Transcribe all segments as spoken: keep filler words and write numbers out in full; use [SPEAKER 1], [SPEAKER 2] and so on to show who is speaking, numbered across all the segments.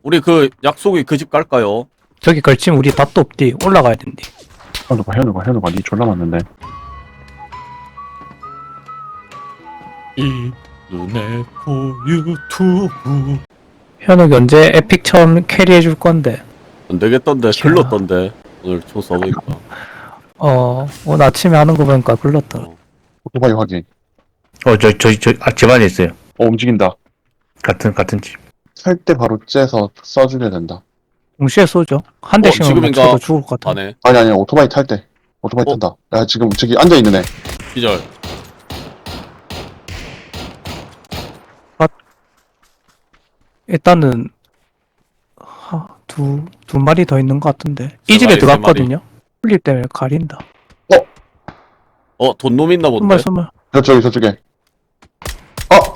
[SPEAKER 1] 우리 그 약속이 그 집 갈까요?
[SPEAKER 2] 저기 걸치면 우리 답도 없디. 올라가야 된디.
[SPEAKER 3] 현우가 현우가 현우가 니 졸라 맞는데.
[SPEAKER 1] 이 눈에 코 유튜브
[SPEAKER 2] 현욱이 언제 에픽 처음 캐리해줄 건데.
[SPEAKER 1] 안 되겠던데 글렀던데 오늘 총 써보니까.
[SPEAKER 2] 어, 오늘 아침에 하는 거 보니까 글렀더라.
[SPEAKER 3] 오토바이 확인.
[SPEAKER 4] 어, 저, 저, 저, 아, 집 안에 있어요.
[SPEAKER 3] 어 움직인다.
[SPEAKER 4] 같은, 같은 집.
[SPEAKER 3] 살 때 바로 째서 쏴주려 된다.
[SPEAKER 2] 동시에 쏘죠. 한 대씩은
[SPEAKER 1] 지금인가?
[SPEAKER 2] 맞춰도 죽을 것 같아.
[SPEAKER 1] 안에
[SPEAKER 3] 아니 아니 오토바이 탈 때. 오토바이
[SPEAKER 1] 어?
[SPEAKER 3] 탄다. 야 지금 저기 앉아 있는 애.
[SPEAKER 1] 기절.
[SPEAKER 2] 일단은 하, 두, 두 마리 더 있는 것 같은데.
[SPEAKER 1] 세
[SPEAKER 2] 이 집에
[SPEAKER 1] 마리, 세
[SPEAKER 2] 들어갔거든요. 풀릴 때문에 가린다.
[SPEAKER 1] 어 돈놈 있나 본데.
[SPEAKER 2] 선물 선물.
[SPEAKER 3] 저쪽에 저쪽에. 어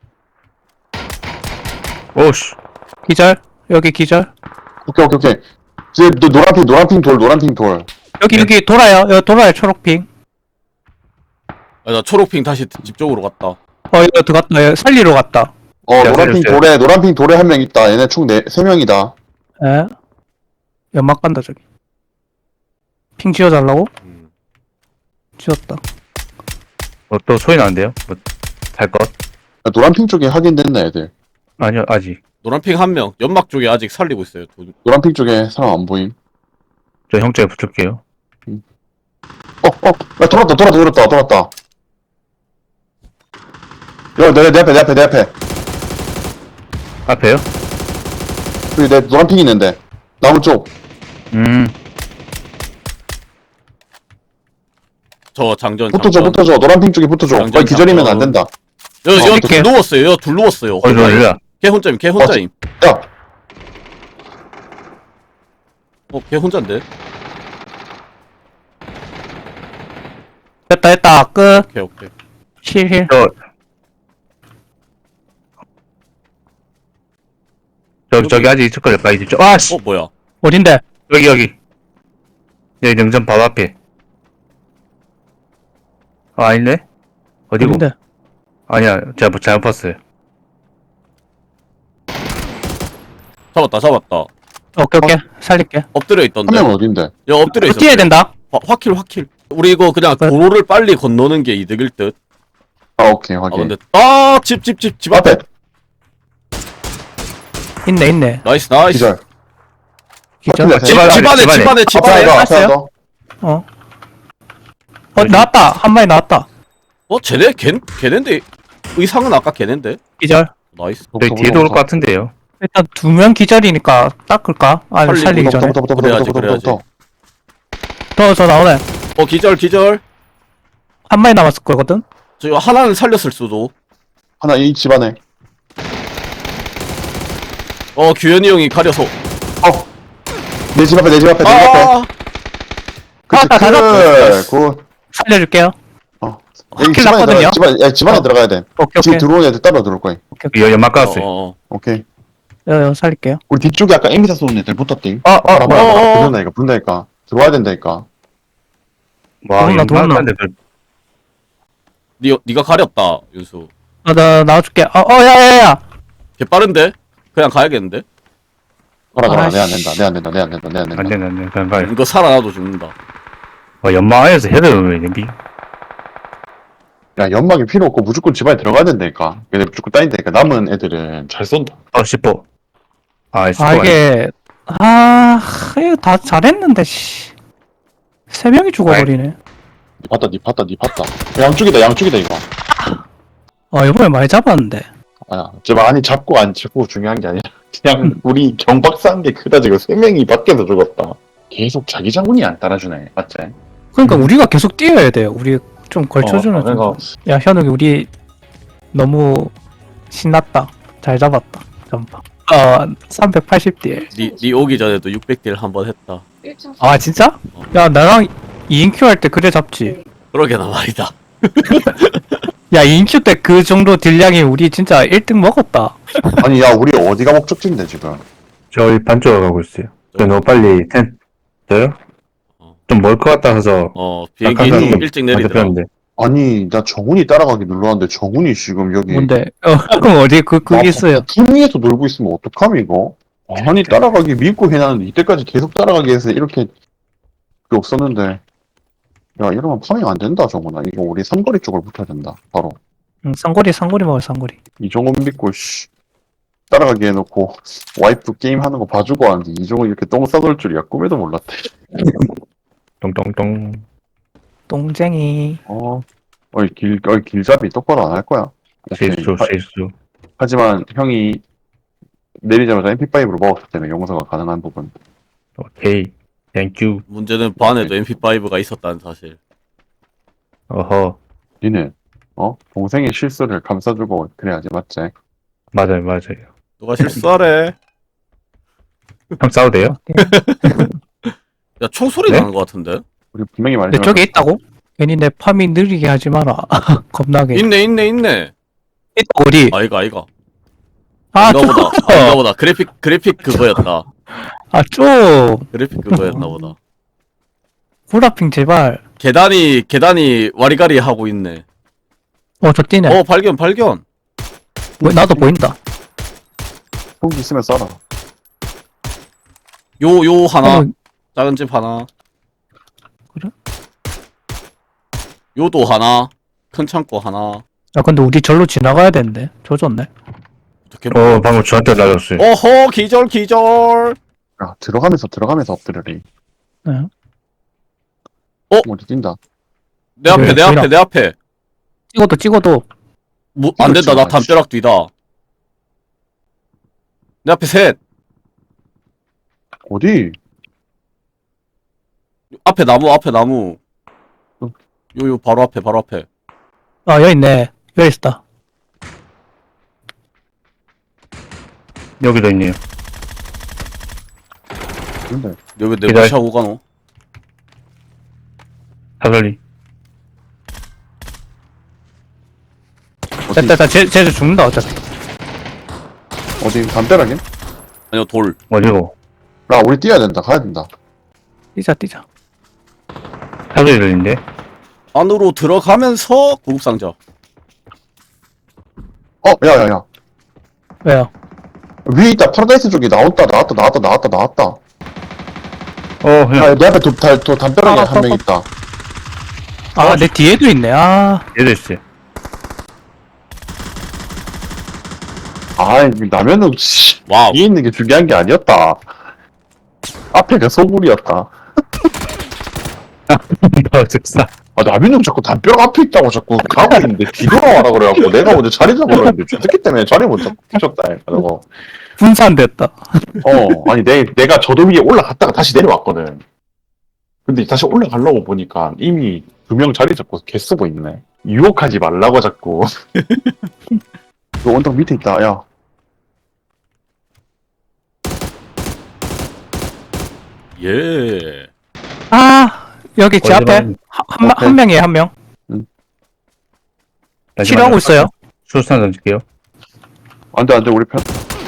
[SPEAKER 4] 오씨.
[SPEAKER 2] 기절. 여기 기절.
[SPEAKER 3] 오케이 오케이 오케이. 이제 너 노란핑 노란핑 돌 노란핑 돌.
[SPEAKER 2] 여기
[SPEAKER 4] 네.
[SPEAKER 2] 여기 돌아요. 여기 돌아요. 초록핑.
[SPEAKER 1] 아, 나 초록핑 다시 집 쪽으로 갔다.
[SPEAKER 2] 어 이거 들어갔다. 여기 살리러 갔다.
[SPEAKER 3] 어
[SPEAKER 4] 야,
[SPEAKER 3] 노란핑
[SPEAKER 4] 살렸어요.
[SPEAKER 3] 돌에 노란핑 돌에 한 명 있다. 얘네 총네세 명이다.
[SPEAKER 2] 에? 연막 간다 저기. 핑 지어달라고?
[SPEAKER 1] 음.
[SPEAKER 2] 지었다.
[SPEAKER 4] 어, 또 소리 나는데요? 뭐, 살 것?
[SPEAKER 3] 야, 노란핑 쪽에 확인됐나 애들.
[SPEAKER 4] 아니요, 아직.
[SPEAKER 1] 노란핑 한 명. 연막 쪽에 아직 살리고 있어요. 도...
[SPEAKER 3] 노란핑 쪽에 사람 안 보임.
[SPEAKER 4] 저 형쪽에 붙을게요.
[SPEAKER 3] 어어 야 돌았다 돌았다 돌았다 돌았다. 야내 내 앞에 내 앞에 내 앞에.
[SPEAKER 4] 앞에요?
[SPEAKER 3] 여기 내 노란핑 있는데 나무 쪽.
[SPEAKER 4] 음,
[SPEAKER 1] 저 장전.
[SPEAKER 3] 붙어줘
[SPEAKER 1] 장전.
[SPEAKER 3] 붙어줘 노란핑 쪽에 붙어줘.
[SPEAKER 1] 장전,
[SPEAKER 3] 거기 기절이면
[SPEAKER 1] 장전.
[SPEAKER 3] 안 된다.
[SPEAKER 1] 여,
[SPEAKER 3] 어,
[SPEAKER 1] 여,
[SPEAKER 2] 어떡해.
[SPEAKER 1] 누웠어요. 여, 둘 누웠어요.
[SPEAKER 4] 어디, 어디야?
[SPEAKER 1] 걔 혼자임. 걔 혼자임.
[SPEAKER 3] 야
[SPEAKER 1] 어, 걔 혼자인데.
[SPEAKER 2] 됐다 됐다. 끝.
[SPEAKER 1] 오케이, 오케이.
[SPEAKER 2] 힐힐.
[SPEAKER 4] 저, 저, 저기 아직 있을 거예요, 빨리 집. 아, 씨!
[SPEAKER 1] 어, 뭐야?
[SPEAKER 2] 어딘데?
[SPEAKER 4] 여기, 여기. 여기 능선 바로 앞에. 아, 아니네? 어디고?
[SPEAKER 2] 어딘데?
[SPEAKER 4] 아니야, 제가 뭐 잘못 봤어요.
[SPEAKER 1] 잡았다, 잡았다.
[SPEAKER 2] 오케이 오케이. 살릴게.
[SPEAKER 1] 엎드려
[SPEAKER 3] 한
[SPEAKER 1] 있던데.
[SPEAKER 3] 명은 어딘데?
[SPEAKER 1] 야, 엎드려
[SPEAKER 2] 어,
[SPEAKER 1] 있었어.
[SPEAKER 2] 뛰어야 된다.
[SPEAKER 1] 화, 화킬, 화킬. 우리 이거 그냥
[SPEAKER 2] 네.
[SPEAKER 1] 도로를 빨리 건너는 게 이득일 듯.
[SPEAKER 3] 아 오케이
[SPEAKER 1] 아,
[SPEAKER 3] 확인.
[SPEAKER 1] 근데 딱 집, 집, 집, 집 앞에.
[SPEAKER 3] 앞에
[SPEAKER 2] 있네 있네.
[SPEAKER 1] 나이스, 나이스.
[SPEAKER 3] 기절.
[SPEAKER 2] 기절.
[SPEAKER 3] 확실히
[SPEAKER 1] 집,
[SPEAKER 4] 집 안에,
[SPEAKER 1] 집 안에,
[SPEAKER 4] 집
[SPEAKER 1] 집
[SPEAKER 4] 안에.
[SPEAKER 1] 안에, 집
[SPEAKER 3] 앞에
[SPEAKER 1] 안에.
[SPEAKER 3] 너 앞에
[SPEAKER 2] 땄어요?
[SPEAKER 3] 너.
[SPEAKER 2] 어. 어 나왔다. 한 마리 나왔다.
[SPEAKER 1] 어, 쟤네, 걔, 걔넨데. 의상은 아까 걔넨데.
[SPEAKER 2] 기절.
[SPEAKER 1] 나이스.
[SPEAKER 4] 저기 뒤에도 올 것 같은데요.
[SPEAKER 2] 일단 두 명 기절이니까 닦을까? 아니
[SPEAKER 1] 살리고
[SPEAKER 2] 살리기 전에.
[SPEAKER 3] 부터 부터 부터
[SPEAKER 1] 그래야지,
[SPEAKER 3] 부터 부터 부터.
[SPEAKER 2] 더 저 나오네.
[SPEAKER 1] 어, 기절, 기절.
[SPEAKER 2] 한 마리 남았을 거거든.
[SPEAKER 1] 저 하나는 살렸을 수도.
[SPEAKER 3] 하나 이 집 안에.
[SPEAKER 1] 어, 규현이 형이 가려서.
[SPEAKER 3] 내 집 앞에 내 집 앞에 내 집 앞에.
[SPEAKER 1] 아,
[SPEAKER 3] 그치
[SPEAKER 2] 아, 다
[SPEAKER 3] 그래. 굿.
[SPEAKER 2] 살려줄게요.
[SPEAKER 3] 어.
[SPEAKER 2] 확킬
[SPEAKER 3] 여기 집 안에
[SPEAKER 2] 났거든요.
[SPEAKER 3] 들어가. 집 안에 야, 집 안에
[SPEAKER 2] 어.
[SPEAKER 3] 들어가야 돼.
[SPEAKER 2] 오케이
[SPEAKER 3] 지금
[SPEAKER 2] 오케이.
[SPEAKER 3] 들어오는 애들 따라 들어올 거야.
[SPEAKER 2] 오케이.
[SPEAKER 4] 여, 연막
[SPEAKER 1] 어,
[SPEAKER 4] 깔았어요.
[SPEAKER 1] 어.
[SPEAKER 3] 오케이.
[SPEAKER 2] 여, 여, 살릴게요.
[SPEAKER 3] 우리 뒤쪽에 아까 에미사 쏘는 애들 붙었띵.
[SPEAKER 4] 어, 어,
[SPEAKER 3] 봐라 봐라
[SPEAKER 1] 어, 어,
[SPEAKER 3] 봐라.
[SPEAKER 1] 어.
[SPEAKER 3] 붙는다니까 붙는다니까. 들어와야 된다니까.
[SPEAKER 4] 와,
[SPEAKER 2] 도망가, 도망가.
[SPEAKER 4] 연막한데
[SPEAKER 1] 니, 니가 가렸다, 윤수.
[SPEAKER 2] 아, 나 나와줄게. 어, 어, 야야야.
[SPEAKER 1] 걔 빠른데? 그냥 가야겠는데?
[SPEAKER 3] 가라 가라.
[SPEAKER 2] 아이씨.
[SPEAKER 3] 내 안 된다. 내 안 된다. 내 안 된다. 내 안 된다.
[SPEAKER 4] 안 되네, 안 되네. 그냥 가요.
[SPEAKER 1] 이거 살아나도 죽는다.
[SPEAKER 4] 와, 연막 안에서 헤드를 왜 내비?
[SPEAKER 3] 야 연막이 필요 없고 무조건 집 안에 들어가야 된다니까. 얘네 무조건 따인다니까. 남은 애들은 잘 쏜다.
[SPEAKER 4] 어, 십포. 아, 십포.
[SPEAKER 2] 아 이게 아 이거 다 잘했는데 씨. 세 명이 죽어버리네.
[SPEAKER 3] 니 봤다 니 봤다 니 봤다. 양쪽이다 양쪽이다 이거.
[SPEAKER 2] 아 이번에 많이 잡았는데.
[SPEAKER 3] 아야 제발 아니 잡고 안 잡고 중요한 게 아니라 그냥 우리 경박사한 게 크다 지금 세 명이 밖에서 죽었다. 계속 자기 장군이 안 따라주네 맞지?
[SPEAKER 2] 그러니까
[SPEAKER 3] 음.
[SPEAKER 2] 우리가 계속 뛰어야 돼요. 우리 좀 걸쳐주는.
[SPEAKER 3] 어, 그러니까
[SPEAKER 2] 야 현욱이 우리 너무 신났다. 잘 잡았다. 점파. 어 삼백팔십 딜.
[SPEAKER 1] 니, 니 오기 전에도 육백 딜 한 번 했다.
[SPEAKER 2] 아 진짜? 야 나랑 이 인큐 할 때 그래 잡지.
[SPEAKER 1] 그러게나 말이다.
[SPEAKER 2] 야 이 인큐 때 그 정도 딜량이 우리 진짜 일 등 먹었다.
[SPEAKER 3] 아니 야 우리 어디가 목적지인데 지금?
[SPEAKER 4] 저희 반쪽으로 가고 있어요. 저 너무 빨리 텐, 저요?
[SPEAKER 1] 어.
[SPEAKER 4] 좀 멀 것 같아서.
[SPEAKER 1] 어, 비행기
[SPEAKER 3] 약간
[SPEAKER 1] 일- 일찍 내리더라.
[SPEAKER 4] 데
[SPEAKER 3] 아니 나 정훈이 따라가기 눌렀는데 정훈이 지금 여기
[SPEAKER 2] 뭔데? 어 그럼 어디 그
[SPEAKER 3] 아,
[SPEAKER 2] 그게 있어요.
[SPEAKER 3] 품 위에서 놀고 있으면 어떡함 이거? 아니 따라가기 믿고 해놨는데 이때까지 계속 따라가기 해서 이렇게 그게 없었는데 야 이러면 파밍 안 된다 정훈아. 이거 우리 삼거리 쪽을 붙어야 된다 바로.
[SPEAKER 2] 응, 쌍거리 쌍거리 먹어 쌍거리.
[SPEAKER 3] 이종훈 믿고 씨 따라가게 해놓고 와이프 게임 하는 거 봐주고 하는데 이종훈 이렇게 똥 싸돌 줄이야 꿈에도 몰랐대.
[SPEAKER 4] 똥똥똥.
[SPEAKER 2] 똥쟁이.
[SPEAKER 3] 어, 어이 길, 어이 길잡이 똑바로 안 할 거야. 오케이.
[SPEAKER 4] 실수
[SPEAKER 3] 하,
[SPEAKER 4] 실수.
[SPEAKER 3] 하지만 형이 내리자마자 엠피파이브로 먹었기 때문에 용서가 가능한 부분.
[SPEAKER 4] 오케이. 땡큐.
[SPEAKER 1] 문제는 반에도 엠피파이브가 있었다는 사실.
[SPEAKER 4] 어허.
[SPEAKER 3] 니는 어 동생의 실수를 감싸주고 그래야지 맞지?
[SPEAKER 4] 맞아요 맞아요.
[SPEAKER 1] 누가 실수하래?
[SPEAKER 4] 형 싸워도 돼요?
[SPEAKER 1] 야 총소리
[SPEAKER 4] 네?
[SPEAKER 1] 나는 것 같은데?
[SPEAKER 3] 우리 분명히
[SPEAKER 2] 내
[SPEAKER 3] 말했지만
[SPEAKER 2] 쪽에 있다고? 괜히 내 파밍 느리게 하지 마라. 겁나게.
[SPEAKER 1] 있네 있네 있네.
[SPEAKER 2] 있다 어디?
[SPEAKER 1] 아이가 아이가.
[SPEAKER 2] 아,
[SPEAKER 1] 아닌가
[SPEAKER 2] 좀.
[SPEAKER 1] 보다. 아닌가 보다. 그래픽 그래픽 그거였다.
[SPEAKER 2] 아, 좀.
[SPEAKER 1] 그래픽 그거였나 보다.
[SPEAKER 2] 구라핑 제발.
[SPEAKER 1] 계단이 계단이 와리가리 하고 있네.
[SPEAKER 2] 어, 저 뛰네.
[SPEAKER 1] 어 발견 발견.
[SPEAKER 2] 뭐, 나도 보인다.
[SPEAKER 3] 훅 있으면 쏴라.
[SPEAKER 1] 요 요 하나
[SPEAKER 2] 어,
[SPEAKER 1] 작은 집 하나.
[SPEAKER 2] 그래?
[SPEAKER 1] 요도 하나. 큰 창고 하나.
[SPEAKER 2] 야, 근데 우리 절로 지나가야 되는데. 조졌네.
[SPEAKER 1] 어떻게?
[SPEAKER 4] 어 방금 저한테 날렸어요.
[SPEAKER 1] 어허 기절 기절.
[SPEAKER 3] 야 들어가면서 들어가면서 엎드려리.
[SPEAKER 2] 네.
[SPEAKER 3] 어디 뛴다.
[SPEAKER 1] 내 앞에
[SPEAKER 2] 그래,
[SPEAKER 1] 내 앞에
[SPEAKER 2] 보이나?
[SPEAKER 1] 내 앞에.
[SPEAKER 2] 찍어도 찍어도.
[SPEAKER 1] 뭐, 안 된다. 나 담벼락 뒤다. 내 앞에 셋.
[SPEAKER 3] 어디?
[SPEAKER 1] 앞에 나무 앞에 나무.
[SPEAKER 3] 응.
[SPEAKER 1] 요요 바로 앞에 바로 앞에.
[SPEAKER 2] 아, 여기 있네. 여기 있다.
[SPEAKER 4] 여기도 있네요.
[SPEAKER 3] 근데
[SPEAKER 1] 여기 내
[SPEAKER 4] 기다려.
[SPEAKER 1] 무시하고 가노?
[SPEAKER 4] 사설리.
[SPEAKER 3] 어디?
[SPEAKER 2] 됐다, 됐다. 쟤, 쟤도 죽는다, 어차피.
[SPEAKER 3] 어디 담벼락에?
[SPEAKER 1] 아니요 돌.
[SPEAKER 4] 어디고?
[SPEAKER 3] 야 우리 뛰어야 된다. 가야 된다.
[SPEAKER 2] 뛰자, 뛰자.
[SPEAKER 4] 사설리 들린데?
[SPEAKER 1] 안으로 들어가면서 구급상자.
[SPEAKER 3] 어 야야야
[SPEAKER 2] 왜요?
[SPEAKER 3] 위에 있다. 파라다이스 쪽에 나왔다 나왔다 나왔다 나왔다 나왔다.
[SPEAKER 4] 어 형.
[SPEAKER 3] 야, 내 앞에 도, 다, 도 담벼락에
[SPEAKER 2] 아,
[SPEAKER 3] 한 명
[SPEAKER 2] 아,
[SPEAKER 3] 있다.
[SPEAKER 2] 아, 내 뒤에도 있네. 아,
[SPEAKER 4] 얘도 있어요.
[SPEAKER 3] 아, 라면은 씨,
[SPEAKER 1] 와우.
[SPEAKER 3] 뒤에 있는 게 중요한 게 아니었다. 앞에가 소굴이었다.
[SPEAKER 4] 어 즉사.
[SPEAKER 3] 아, 라면은 자꾸 담벼락 앞에 있다고 자꾸 가고 있는데 뒤돌아와라 그래갖고 내가 먼저 자리 잡으려 했는데 저 새끼 때문에 자리 못 잡고 뒤졌다. 그래서
[SPEAKER 2] 분산됐다.
[SPEAKER 3] 어, 아니 내, 내가 저도 위에 올라갔다가 다시 내려왔거든. 근데 다시 올라가려고 보니까 이미 두 명 자리 잡고 개 쓰고 있네. 유혹하지 말라고 자꾸. 그 언덕 밑에 있다, 야.
[SPEAKER 1] 예.
[SPEAKER 2] 아, 여기 제 앞에
[SPEAKER 4] 어디로?
[SPEAKER 2] 한, 한, 명-
[SPEAKER 3] 오케이.
[SPEAKER 2] 한 명이에요, 한 명. 치료하고 있어요.
[SPEAKER 4] 수산 던질게요.
[SPEAKER 3] 안 돼, 안 돼, 우리 편.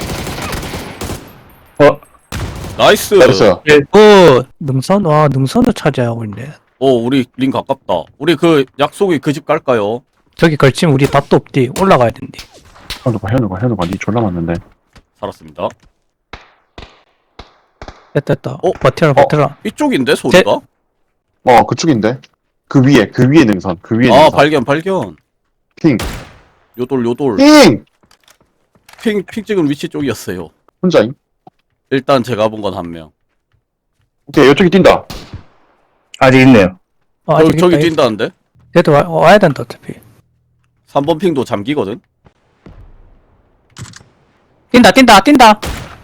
[SPEAKER 4] 어
[SPEAKER 1] 나이스.
[SPEAKER 3] 나이스.
[SPEAKER 2] 그, 능선, 와, 능선을 차지하고 있네.
[SPEAKER 1] 어 우리 링 가깝다. 우리 그 약속이 그 집 갈까요?
[SPEAKER 2] 저기 걸치면 우리 답도 없디. 올라가야 된디.
[SPEAKER 3] 현우가, 현우가, 현우가, 니 졸라 맞는데.
[SPEAKER 1] 살았습니다.
[SPEAKER 2] 됐다, 됐다.
[SPEAKER 1] 어?
[SPEAKER 2] 버텨라, 버텨라.
[SPEAKER 1] 이쪽인데 소리가?
[SPEAKER 3] 어, 그쪽인데. 그 위에, 그 위에 능선, 그 위에
[SPEAKER 1] 아
[SPEAKER 3] 능선.
[SPEAKER 1] 발견 발견.
[SPEAKER 3] 핑.
[SPEAKER 1] 요돌 요돌.
[SPEAKER 3] 핑!
[SPEAKER 1] 핑 핑 찍은 위치 쪽이었어요.
[SPEAKER 3] 혼자임?
[SPEAKER 1] 일단 제가 본 건 한 명.
[SPEAKER 3] 오케이, 이쪽에 뛴다.
[SPEAKER 4] 아직 있네요.
[SPEAKER 2] 어,
[SPEAKER 1] 저기
[SPEAKER 2] 아직
[SPEAKER 1] 저기
[SPEAKER 2] 있다.
[SPEAKER 1] 뛴다는데?
[SPEAKER 2] 얘도 와, 와야 된다, 어차피.
[SPEAKER 1] 삼 번 핑도 잠기거든.
[SPEAKER 2] 뛴다, 뛴다, 뛴다!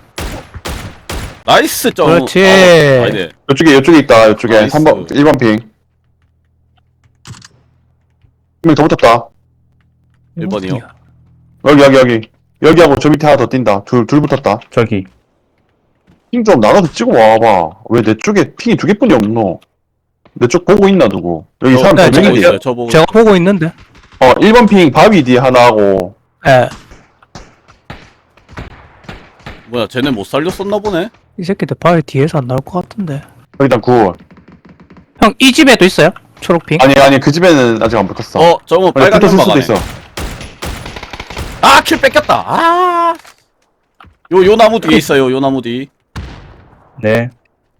[SPEAKER 1] 나이스 점.
[SPEAKER 2] 그렇지.
[SPEAKER 1] 아, 아니네.
[SPEAKER 3] 이쪽에, 이쪽에 있다, 이쪽에.
[SPEAKER 1] 나이스.
[SPEAKER 3] 삼 번, 일 번 핑. 한 명 더 붙었다.
[SPEAKER 1] 일 번이요?
[SPEAKER 3] 여기, 여기, 여기. 여기하고 저 밑에 하나 더 뛴다. 둘, 둘 붙었다.
[SPEAKER 4] 저기.
[SPEAKER 3] 핑 좀 나눠서 찍어 와봐. 왜 내 쪽에 핑이 두 개뿐이 없노? 내 쪽 보고 있나, 누구? 여기
[SPEAKER 1] 저,
[SPEAKER 3] 사람
[SPEAKER 2] 네,
[SPEAKER 3] 두
[SPEAKER 1] 저 보고
[SPEAKER 3] 명이지?
[SPEAKER 1] 있어요. 저 보고.
[SPEAKER 2] 제가 보고 있는데.
[SPEAKER 3] 어, 일 번 핑 바위 뒤에 하나 하고.
[SPEAKER 2] 예.
[SPEAKER 1] 뭐야 쟤네 못 살렸었나 보네.
[SPEAKER 2] 이 새끼들 바위 뒤에서 안 나올 것 같은데.
[SPEAKER 3] 여기다 구.
[SPEAKER 2] 형, 이 집에도 있어요? 초록핑?
[SPEAKER 3] 아니, 아니, 그 집에는 아직 안 붙었어.
[SPEAKER 1] 어 저거 빨간
[SPEAKER 3] 붙었을
[SPEAKER 1] 연막
[SPEAKER 3] 수도
[SPEAKER 1] 안에.
[SPEAKER 3] 있어.
[SPEAKER 1] 아킬 뺏겼다. 아. 요, 요 나무 뒤에 있어요, 요 나무 뒤.
[SPEAKER 4] 네.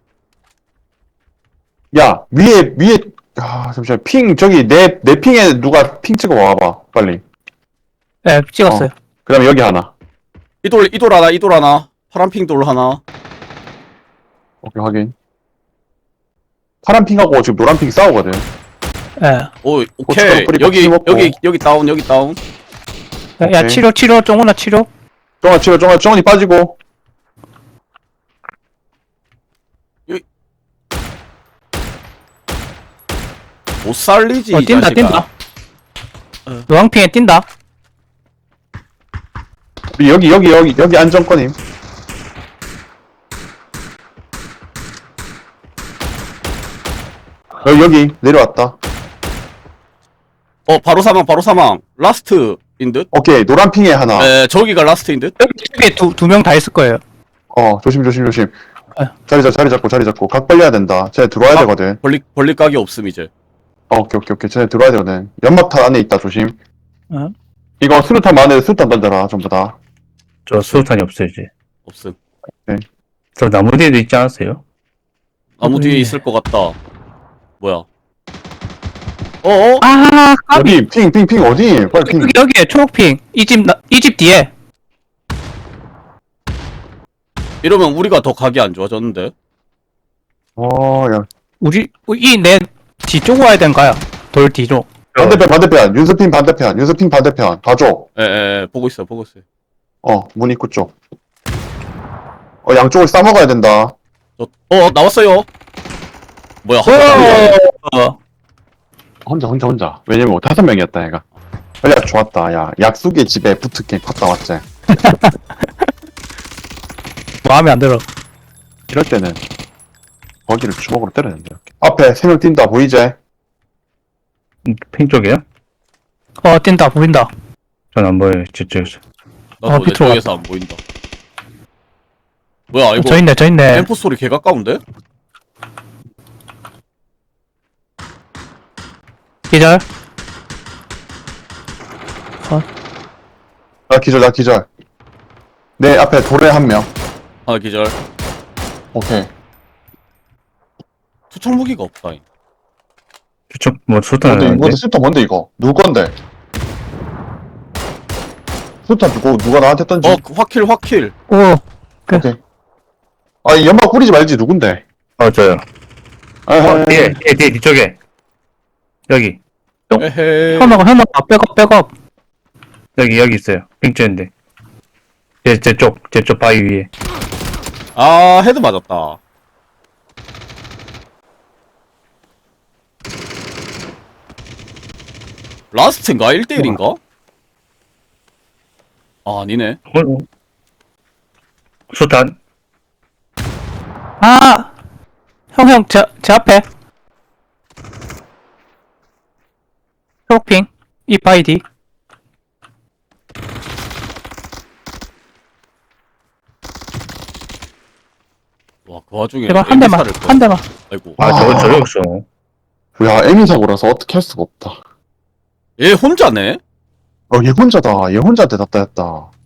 [SPEAKER 3] 야, 위에, 위에, 아, 잠시만. 핑, 저기, 내, 내 핑에 누가 핑 찍어 와봐. 빨리.
[SPEAKER 2] 네, 찍었어요.
[SPEAKER 3] 그 다음에 여기 하나.
[SPEAKER 1] 이돌, 이돌 하나, 이돌 하나. 파란핑 돌 하나.
[SPEAKER 3] 오케이, 확인. 파란 핑하고 지금 노란 핑 싸우거든.
[SPEAKER 2] 예.
[SPEAKER 1] 오, 오케이.
[SPEAKER 3] 고춧가루 뿌리고
[SPEAKER 1] 여기,
[SPEAKER 3] 튀김 먹고.
[SPEAKER 1] 여기, 여기 다운, 여기 다운.
[SPEAKER 2] 야, 야,
[SPEAKER 3] 오케이.
[SPEAKER 2] 치료, 치료, 정훈아, 치료.
[SPEAKER 3] 정아, 치료, 정아, 정원이 빠지고.
[SPEAKER 1] 못 살리지,
[SPEAKER 2] 어,
[SPEAKER 1] 이
[SPEAKER 2] 뛴다,
[SPEAKER 1] 자식아.
[SPEAKER 2] 뛴다. 노왕핑에 뛴다.
[SPEAKER 3] 여기, 여기, 여기, 여기 안정권임. 여기, 여기, 내려왔다.
[SPEAKER 1] 어, 바로 사망, 바로 사망. 라스트인 듯?
[SPEAKER 3] 오케이, 노란 핑에 하나.
[SPEAKER 1] 에, 저기가 라스트인 듯?
[SPEAKER 2] 여기 쪽에 두, 두 명 다 있을 거예요.
[SPEAKER 3] 어, 조심, 조심, 조심.
[SPEAKER 2] 아.
[SPEAKER 3] 자리 잡, 자리 잡고, 자리 잡고. 각 벌려야 된다. 쟤네 들어와야
[SPEAKER 1] 아.
[SPEAKER 3] 되거든.
[SPEAKER 1] 벌릴, 벌릴 각이 없음, 이제.
[SPEAKER 3] 어, 오케이, 오케이, 오케이. 쟤네 들어와야 되거든. 연막탄 안에 있다, 조심.
[SPEAKER 2] 어?
[SPEAKER 3] 이거 수류탄 안에 수류탄 던져라, 전부 다.
[SPEAKER 4] 저 수류탄이 없어요, 이제.
[SPEAKER 1] 없음.
[SPEAKER 4] 저 나무 뒤에도 있지 않았어요?
[SPEAKER 1] 나무 뒤에
[SPEAKER 2] 음.
[SPEAKER 1] 있을 것 같다. 뭐야? 어어?
[SPEAKER 2] 아, 까비.
[SPEAKER 3] 어디? 핑, 핑, 핑, 어디? 빨리 핑.
[SPEAKER 2] 여기, 여기에 초록핑. 이 집, 나- 이 집 뒤에.
[SPEAKER 1] 이러면 우리가 더 각이 안 좋아졌는데?
[SPEAKER 3] 어, 야.
[SPEAKER 2] 우리, 이 내 뒤쪽 와야 된가요? 돌 뒤쪽.
[SPEAKER 3] 반대편, 반대편. 윤서핑 반대편. 윤서핑 반대편. 봐줘.
[SPEAKER 1] 에에, 보고 있어, 보고 있어.
[SPEAKER 3] 어, 문 입구 쪽. 어, 양쪽을 싸먹어야 된다.
[SPEAKER 1] 저, 어, 나왔어요. 뭐야?
[SPEAKER 2] 어,
[SPEAKER 3] 혼자, 혼자, 혼자. 왜냐면 뭐 다섯 명이었다, 얘가. 야, 좋았다. 야, 약속의 집에 붙을게. 갔다 왔지.
[SPEAKER 2] 마음에 안 들어.
[SPEAKER 3] 이럴 때는 거기를 주먹으로 때려야 된다, 이렇게. 앞에 세 명 뛴다, 보이지?
[SPEAKER 4] 음, 핑 쪽이에요?
[SPEAKER 2] 어, 뛴다, 보인다.
[SPEAKER 4] 전 안 보여요, 저쪽에서.
[SPEAKER 1] 나도
[SPEAKER 2] 어,
[SPEAKER 1] 내
[SPEAKER 2] 비트로
[SPEAKER 1] 쪽에서 안 보인다. 뭐야, 이거
[SPEAKER 2] 저 있네, 저 있네.
[SPEAKER 1] 엠포 소리 개 가까운데?
[SPEAKER 2] 기절.
[SPEAKER 3] 나 기절, 나 기절. 내 앞에 돌에 한 명.
[SPEAKER 1] 하나 기절.
[SPEAKER 3] 오케이.
[SPEAKER 1] 투척 무기가 없다. 잉.
[SPEAKER 4] 저쪽, 뭐, 수류탄
[SPEAKER 3] 뭔데,
[SPEAKER 4] 하는데?
[SPEAKER 3] 뭔데, 수탄 뭔데, 이거? 누구 건데? 수탄 누구, 누가 나한테 던지?
[SPEAKER 1] 어, 그 확킬, 확킬.
[SPEAKER 2] 오,
[SPEAKER 3] 오케이. 아, 이 연막 뿌리지 말지, 누군데?
[SPEAKER 4] 어, 저요.
[SPEAKER 3] 아,
[SPEAKER 4] 어, 뒤에, 뒤에, 뒤에, 뒤쪽에. 여기.
[SPEAKER 1] 에헤.
[SPEAKER 2] 현아가, 현아, 백업, 백업.
[SPEAKER 4] 여기, 여기 있어요. 핑 찍는데. 제, 제 쪽, 제 쪽 바위 위에.
[SPEAKER 1] 아, 헤드 맞았다. 라스트인가? 일 대일인가? 아, 아니네.
[SPEAKER 4] 어, 어. 수탄.
[SPEAKER 2] 아! 형, 형, 제, 제 앞에. 초록핑. 이 바이디.
[SPEAKER 1] 와, 그 와중에
[SPEAKER 2] 제발 한 대만,
[SPEAKER 1] 엠비사를 또-
[SPEAKER 2] 한 대만.
[SPEAKER 1] 아이고.
[SPEAKER 4] 아, 저거, 저기 없어.
[SPEAKER 3] 야, 에미 사고라서 어떻게 할 수가 없다.
[SPEAKER 1] 얘 혼자네?
[SPEAKER 3] 어, 얘 혼자다. 얘 혼자 대답다 했다.